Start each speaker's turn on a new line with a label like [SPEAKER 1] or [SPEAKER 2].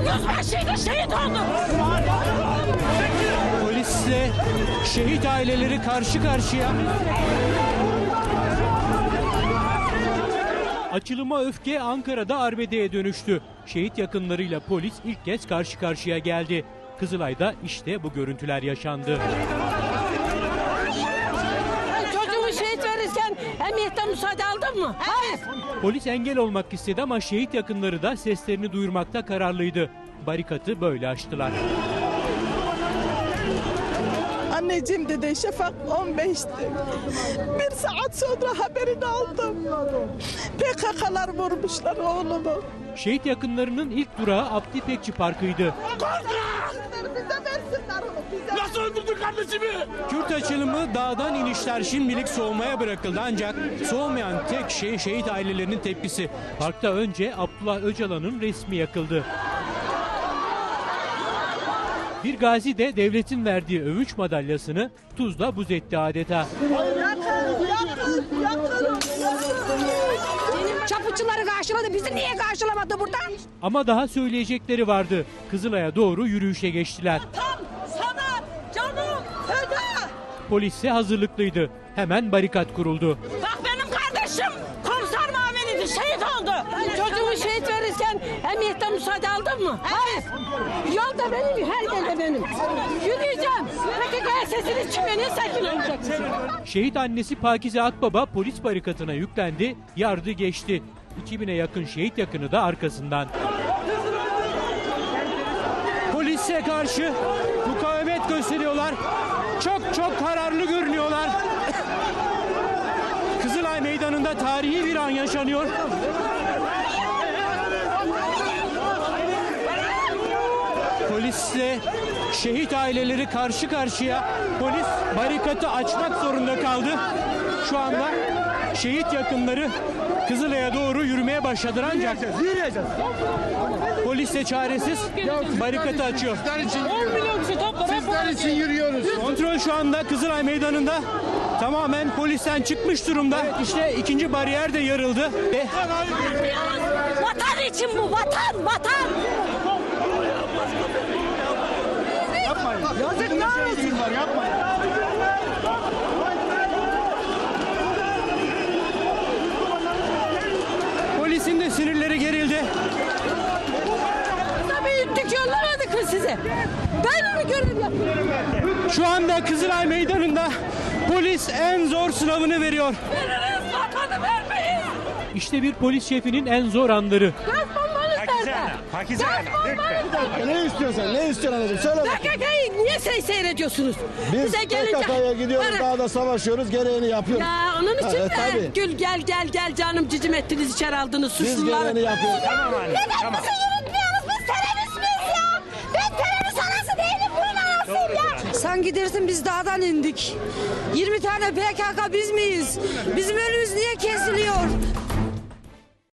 [SPEAKER 1] yüzbaşıydı, şehit oldu.
[SPEAKER 2] Polisle şehit aileleri karşı karşıya. Açılıma öfke Ankara'da arbedeye dönüştü. Şehit yakınlarıyla polis ilk kez karşı karşıya geldi. Kızılay'da işte bu görüntüler yaşandı.
[SPEAKER 1] Çocuğumu şehit verirken emniyetten müsaade aldın mı? Hayır.
[SPEAKER 2] Polis engel olmak istedi ama şehit yakınları da seslerini duyurmakta kararlıydı. Barikatı böyle aştılar.
[SPEAKER 3] Anneciğim dedi Şafak 15'ti. Bir saat sonra haberini aldım. PKK'lar vurmuşlar oğlumu.
[SPEAKER 2] Şehit yakınlarının ilk durağı Abdi İpekçi Parkı'ydı.
[SPEAKER 4] Nasıl öldürdün kardeşimi?
[SPEAKER 2] Kürt açılımı dağdan inişler şimdilik soğumaya bırakıldı ancak soğumayan tek şey şehit ailelerinin tepkisi. Parkta önce Abdullah Öcalan'ın resmi yakıldı. Bir gazi de devletin verdiği övünç madalyasını tuzla buz etti adeta.
[SPEAKER 1] Çapıcıları karşıladı, bizi niye karşılamadı burada?
[SPEAKER 2] Ama daha söyleyecekleri vardı. Kızılay'a doğru yürüyüşe geçtiler.
[SPEAKER 1] Tam sana canım feda.
[SPEAKER 2] Polis ise hazırlıklıydı. Hemen barikat kuruldu.
[SPEAKER 1] Bak benim kardeşim komiser muaviniydi, şehit oldu. Çocuğumu şehit verirken emniyetten müsaade aldın mı? Hayır. Yolda benim, her yerde benim. Yürüyeceğim. PKK'ya sesiniz çıkıyor, niye sakin olacaksın?
[SPEAKER 2] Şehit annesi Pakize Akbaba polis barikatına yüklendi, yardı geçti. 2000'e yakın şehit yakını da arkasından. Polise karşı mukavemet gösteriyorlar. Çok kararlı görünüyorlar. Kızılay Meydanı'nda tarihi bir an yaşanıyor. Polisle şehit aileleri karşı karşıya. Polis barikatı açmak zorunda kaldı. Şu anda şehit yakınları Kızılay'a doğru yürümeye başladılar ancak polis de çaresiz barikatı açıyor.
[SPEAKER 1] 10 milyon kişi topla.
[SPEAKER 4] Sizler için yürüyoruz.
[SPEAKER 2] Kontrol şu anda Kızılay Meydanı'nda tamamen polisten çıkmış durumda. İşte ikinci bariyer de yarıldı.
[SPEAKER 1] Vatan için bu, vatan.
[SPEAKER 4] Yazıklar olsun. Yapmayın.
[SPEAKER 2] Polisin de sinirleri gerildi.
[SPEAKER 1] Büyüttük, yollamadık mı size? Ben mi görev yapıyorum?
[SPEAKER 2] Şu anda Kızılay Meydanı'nda polis en zor sınavını veriyor.
[SPEAKER 1] Veririz, vatanı vermeyiz.
[SPEAKER 2] İşte bir polis şefinin en zor anları.
[SPEAKER 1] Gaz bombanız nerede?
[SPEAKER 4] Pakize Hanım,
[SPEAKER 5] Ne istiyorsan, ne istiyorsun anacığım? Söyle bak.
[SPEAKER 1] PKK'yı niye seyrediyorsunuz?
[SPEAKER 5] Biz
[SPEAKER 1] Bize gelince-
[SPEAKER 5] PKK'ya gidiyoruz,
[SPEAKER 1] Bana-
[SPEAKER 5] dağda savaşıyoruz, gereğini yapıyoruz.
[SPEAKER 1] Ya onun için
[SPEAKER 5] Evet,
[SPEAKER 1] de
[SPEAKER 5] tabii.
[SPEAKER 1] Gül gel canım cicim ettiniz, içeri aldınız
[SPEAKER 5] Biz
[SPEAKER 1] suçluları.
[SPEAKER 5] gereğini yapıyoruz.
[SPEAKER 4] Tamam anne. Tamam.
[SPEAKER 1] Yürütmüyoruz, biz terörist miyiz ya? Ben terörist anası değilim, bunun anasıyım ya.
[SPEAKER 6] Sen gidersin, biz dağdan indik. 20 tane PKK biz miyiz? Bizim önümüz niye kesiliyor?